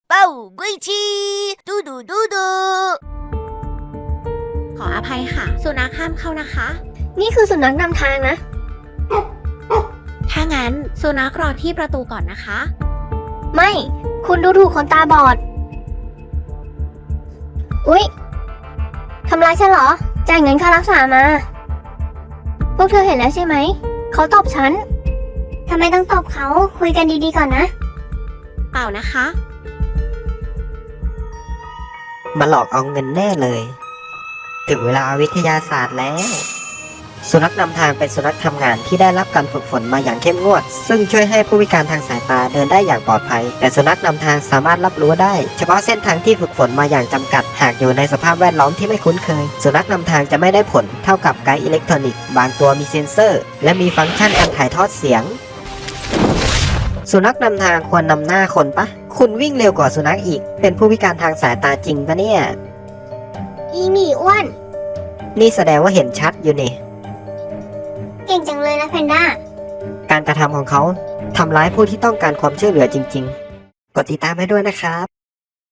เป้ากุยชีดูดูดูดูขออภัยค่ะ สุนัขห้ามเข้านะคะนี่คือสุนัขนำทางนะถ้างั้นสุนัขรอที่ประตูก่อนนะคะไม่ คุณดูถูกคนตาบอด อุ๊ย ทำร้ายฉันเหรอ จ่ายเงินค่ารักษามา พวกเธอเห็นแล้วใช่ไหม เขาตบฉัน ทำไมต้องตบเขา คุยกันดีๆก่อนนะเปล่านะคะมาหลอกเอาเงินแน่เลย ถึงเวลาวิทยาศาสตร์แล้ว สุนัขนำทางเป็นสุนัขทำงานที่ได้รับการฝึกฝนมาอย่างเข้มงวด ซึ่งช่วยให้ผู้พิการทางสายตาเดินได้อย่างปลอดภัย แต่สุนัขนำทางสามารถรับรู้ได้เฉพาะเส้นทางที่ฝึกฝนมาอย่างจำกัด หากอยู่ในสภาพแวดล้อมที่ไม่คุ้นเคย สุนัขนำทางจะไม่ได้ผลเท่ากับไกด์อิเล็กทรอนิกส์บางตัวมีเซ็นเซอร์ และมีฟังก์ชันการถ่ายทอดเสียง สุนัขนำทางควรนำหน้าคนปะคุณวิ่งเร็วกว่าสุนัขอีก เป็นผู้พิการทางสายตาจริงปะเนี่ยอีหมีอ้วนนี่แสดงว่าเห็นชัดอยู่นี่เก่งจังเลยนะแพนด้าการกระทำของเขาทำร้ายผู้ที่ต้องการความช่วยเหลือจริงๆ กดติดตามให้ด้วยนะครับ